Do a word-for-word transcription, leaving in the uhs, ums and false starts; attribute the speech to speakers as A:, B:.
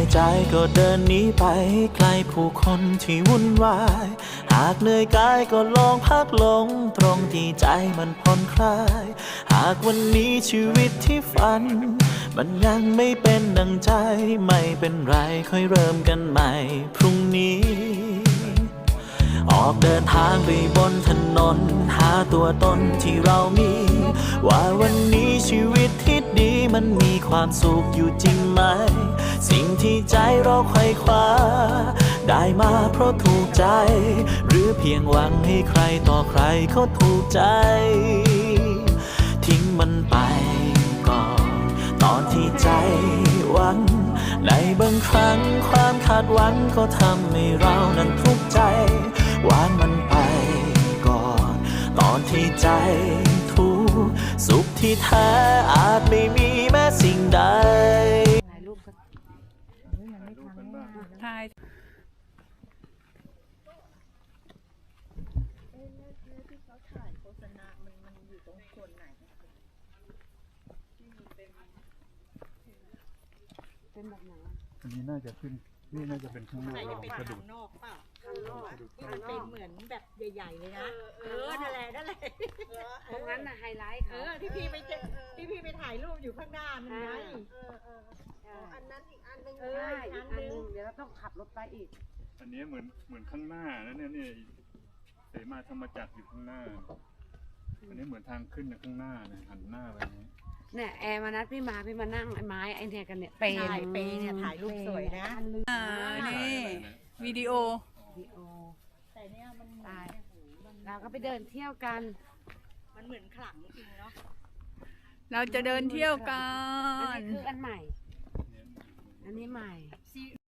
A: ใจก็เดินหนีไปไกลผู้คนที่วุ่นวายหากเหนื่อยกายก็ลองพักลงตรงที่ใจมันผ่อนคลายหากวันนี้ชีวิตที่ฝันมันยังไม่เป็นดังใจไม่เป็นไรค่อยเริ่มกันใหม่พรุ่งนี้ออกเดินทางไปบนถนนหาตัวตนที่เรามีว่าวันนี้ชีวิตที่ดีมันมีความสุขอยู่จริงไหมสิ่งที่ใจเราไขว่คว้าได้มาเพราะถูกใจหรือเพียงหวังให้ใครต่อใครเขาถูกใจทิ้งมันไปก่อนตอนที่ใจหวังในบางครั้งความคาดหวังก็ทำให้เรานั้นทุกข์ใจวางมันไปก่อนตอนที่ใจทุกข์สุขที่แท้อาจไม่มีแม้สิ่งใด
B: ถ่ายรูปก็
C: ถ่าย
B: เป็นแบบไหน
D: อันนี้น่าจะขึ้นนี่น่าจะเป็นข้างนอก
E: จะเป็นข้างนอกเปล่าข้างนอกที่มันเป็นเหมือนแบบใหญ่ๆเลยนะเออนั่นแหละนั่นแหละ
B: ตรงนั้นน่ะไฮไลท์
E: เออที่พี่ไปที่พี่ไปถ่ายรูปอยู่ข้างหน้ามันไงเออเอออันนั้นอีกอันนึงเอออีกอันนึง
B: เดี๋ยวเราต้องขับรถไปอีก
D: อันนี้เหมือนเหมือนข้างหน้าแล้วเนี่ยนี่เสมาธรรมจักรอยู่ข้างหน้าอันนี้เหมือนทางขึ้นข้างหน้าเนี่ยหันหน้าไปนี้
B: เนี่ยแอร์มานัดพี่มาพี่มานั่งไอ้ไม้ไอ้เนี่ยกันเนี่ยเปย์
E: เปย์เนี่ยถ่ายรูปสวยนะ
C: อ่านี่วิดีโอ
B: วิดีโอ
E: แต่เนี่ยมัน
B: ตายเราก็ไปเดินเที่ยวกัน
E: มันเหมือนขลังจริงเนาะ
C: เราจะเดินเที่ยวกั
B: นอันนี้คืออันใหม่อันนี้ใหม่